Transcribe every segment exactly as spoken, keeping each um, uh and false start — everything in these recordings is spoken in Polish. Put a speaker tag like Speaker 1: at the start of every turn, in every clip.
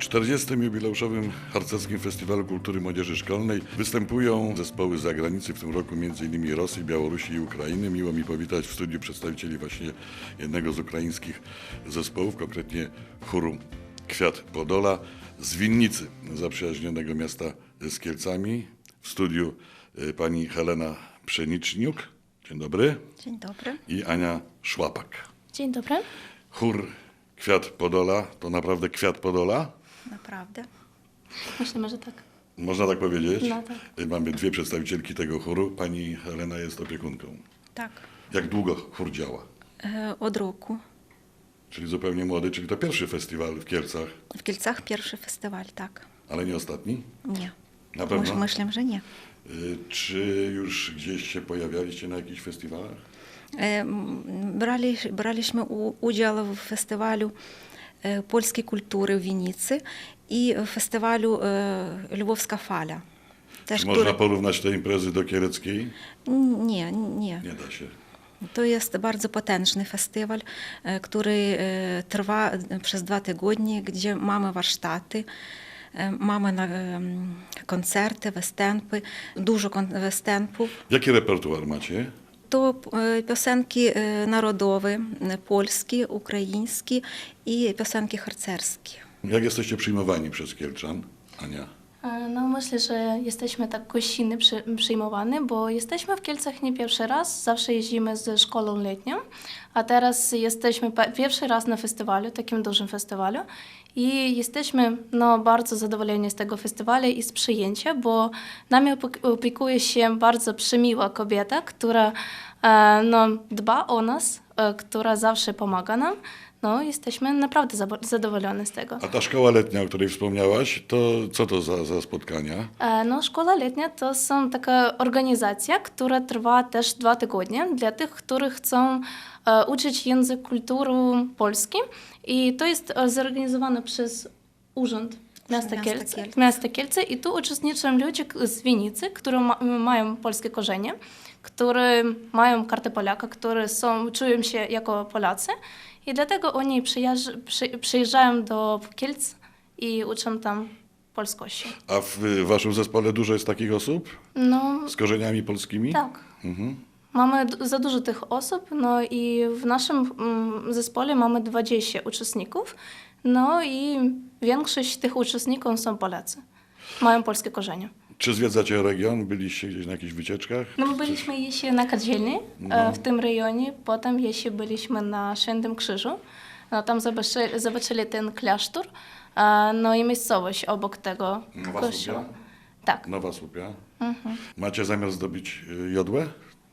Speaker 1: czterdziestym jubileuszowym Harcerskim Festiwalu Kultury Młodzieży Szkolnej występują zespoły z zagranicy, w tym roku między innymi Rosji, Białorusi i Ukrainy. Miło mi powitać w studiu przedstawicieli właśnie jednego z ukraińskich zespołów, konkretnie chóru Kwiat Podola z Winnicy, zaprzyjaźnionego miasta z Kielcami. W studiu pani Helena Pszeniczniuk. Dzień dobry.
Speaker 2: Dzień dobry.
Speaker 1: I Ania Szłapak.
Speaker 3: Dzień dobry.
Speaker 1: Chór Kwiat Podola to naprawdę Kwiat Podola?
Speaker 2: Naprawdę.
Speaker 3: Myślimy, że tak.
Speaker 1: Można tak powiedzieć?
Speaker 3: No tak.
Speaker 1: Mamy dwie przedstawicielki tego chóru. Pani Helena jest opiekunką.
Speaker 2: Tak.
Speaker 1: Jak długo chór działa?
Speaker 2: E, Od roku.
Speaker 1: Czyli zupełnie młody, czyli to pierwszy festiwal w Kielcach,
Speaker 2: W Kielcach pierwszy festiwal, tak.
Speaker 1: ale nie ostatni?
Speaker 2: Nie.
Speaker 1: Na pewno?
Speaker 2: Myś- Myślę, że nie.
Speaker 1: Y, Czy już gdzieś się pojawialiście na jakichś festiwalach?
Speaker 2: E, m, Brali, braliśmy u, udział w festiwalu e, polskiej kultury w Winnicy i w festiwalu e, Lwowska Fala. Też,
Speaker 1: Czy można
Speaker 2: który-
Speaker 1: porównać te imprezy do kieleckiej?
Speaker 2: Nie, nie.
Speaker 1: Nie da się.
Speaker 2: To jest bardzo potężny festiwal, e, który e, trwa przez dwa tygodnie, gdzie mamy warsztaty, e, mamy na- em, koncerty, występy, dużo kon- występów.
Speaker 1: Jaki repertuar macie?
Speaker 2: To e, piosenki e, narodowe, e, polskie, ukraińskie i piosenki harcerskie.
Speaker 1: Jak jesteście przyjmowani przez Kielczan? Ania?
Speaker 3: E, No myślę, że jesteśmy tak gościnnie przy, przyjmowani, bo jesteśmy w Kielcach nie pierwszy raz. Zawsze jeździmy ze szkołą letnią, a teraz jesteśmy pe- pierwszy raz na festiwalu, takim dużym festiwalu. I jesteśmy no, bardzo zadowoleni z tego festiwalu i z przyjęcia, bo nami opie- opiekuje się bardzo przymiła kobieta, która e, no, dba o nas, e, która zawsze pomaga nam. No, jesteśmy naprawdę zabo- zadowoleni z tego.
Speaker 1: A ta szkoła letnia, o której wspomniałaś, to co to za, za spotkania?
Speaker 3: E, No, szkoła letnia to są taka organizacja, która trwa też dwa tygodnie dla tych, którzy chcą e, uczyć język kultury polskiej. I to jest e, zorganizowane przez Urząd Miasta
Speaker 2: Miasta
Speaker 3: Kielce.
Speaker 2: Kielce.
Speaker 3: Miasta Kielce. I tu uczestniczą ludzie k- z Winnicy, którzy ma, mają polskie korzenie, którzy mają kartę Polaka, którzy są, czują się jako Polacy. I dlatego oni przyjeżdż, przy, przyjeżdżają do Kielc i uczą tam polskości.
Speaker 1: A w y, waszym zespole dużo jest takich osób
Speaker 3: No,
Speaker 1: z korzeniami polskimi?
Speaker 3: tak.
Speaker 1: Mhm.
Speaker 3: Mamy d- za dużo tych osób, no i w naszym mm, zespole mamy dwadzieścia uczestników, no i większość tych uczestników są Polacy, mają polskie korzenie.
Speaker 1: Czy zwiedzacie region? Byliście gdzieś na jakichś wycieczkach?
Speaker 3: No my byliśmy jeszcze na Kadzielni, e, w tym rejonie, potem jeszcze byliśmy na Świętym Krzyżu, no tam zobaczyli, zobaczyli ten klasztor, e, no i miejscowość obok tego
Speaker 1: Nowa
Speaker 3: kościoła.
Speaker 1: Słupia?
Speaker 3: Tak.
Speaker 1: Nowa Słupia.
Speaker 3: Mhm.
Speaker 1: Macie zamiar zdobyć y, jodłę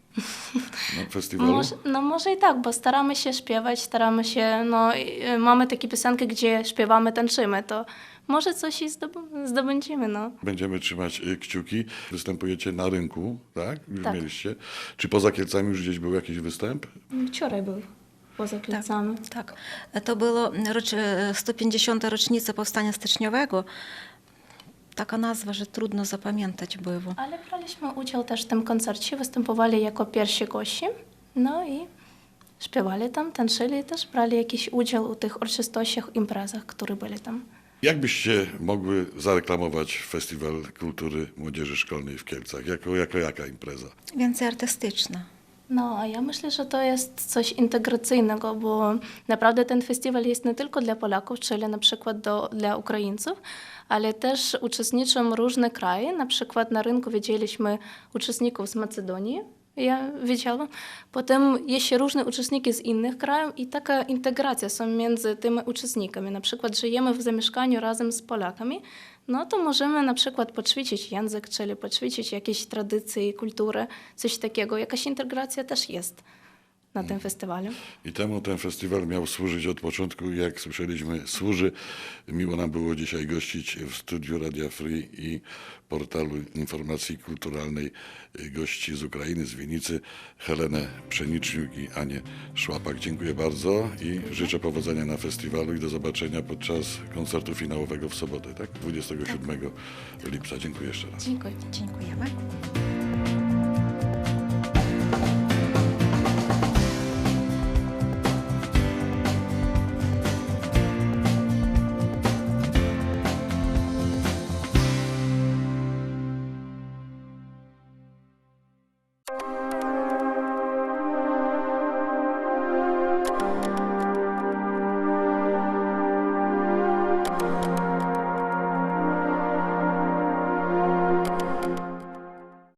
Speaker 1: na festiwalu?
Speaker 3: Może, no może i tak, bo staramy się śpiewać, staramy się, no i, y, mamy takie piosenki, gdzie śpiewamy, tańczymy, to może coś i zdob- zdobędziemy, no.
Speaker 1: Będziemy trzymać y, kciuki. Występujecie na rynku, tak? Już
Speaker 3: Tak.
Speaker 1: mieliście. Czy poza Kielcami już gdzieś był jakiś występ?
Speaker 3: Wczoraj był poza Kielcami.
Speaker 2: Tak. To było rocz, sto pięćdziesiąta rocznica Powstania Styczniowego. Taka nazwa, że trudno zapamiętać było.
Speaker 3: Ale braliśmy udział też w tym koncercie, występowali jako pierwsi gości, no i śpiewali tam, tańczyli i też brali jakiś udział w tych uroczystościach, imprezach, które byli tam.
Speaker 1: Jak byście mogły zareklamować Festiwal Kultury Młodzieży Szkolnej w Kielcach? Jako, jako jaka impreza?
Speaker 2: Więcej artystyczna.
Speaker 3: No, a ja myślę, że to jest coś integracyjnego, bo naprawdę ten festiwal jest nie tylko dla Polaków, czyli na przykład do, dla Ukraińców, ale też uczestniczą różne kraje. Na przykład na rynku widzieliśmy uczestników z Macedonii, ja widziałam. Potem jeszcze różne uczestniki z innych krajów i taka integracja są między tymi uczestnikami. Na przykład żyjemy w zamieszkaniu razem z Polakami, no to możemy na przykład poćwiczyć język, czyli poćwiczyć jakieś tradycje, kulturę, coś takiego. Jakaś integracja też jest na tym festiwalu.
Speaker 1: I temu ten festiwal miał służyć od początku, jak słyszeliśmy, służy. Miło nam było dzisiaj gościć w studiu Radia Free i portalu informacji kulturalnej gości z Ukrainy, z Winnicy, Helenę Pszeniczniuk i Anię Szłapak. Dziękuję bardzo i życzę powodzenia na festiwalu i do zobaczenia podczas koncertu finałowego w sobotę, tak? dwudziestego siódmego lipca. Dziękuję jeszcze raz.
Speaker 3: Dziękuję.
Speaker 2: Dziękujemy.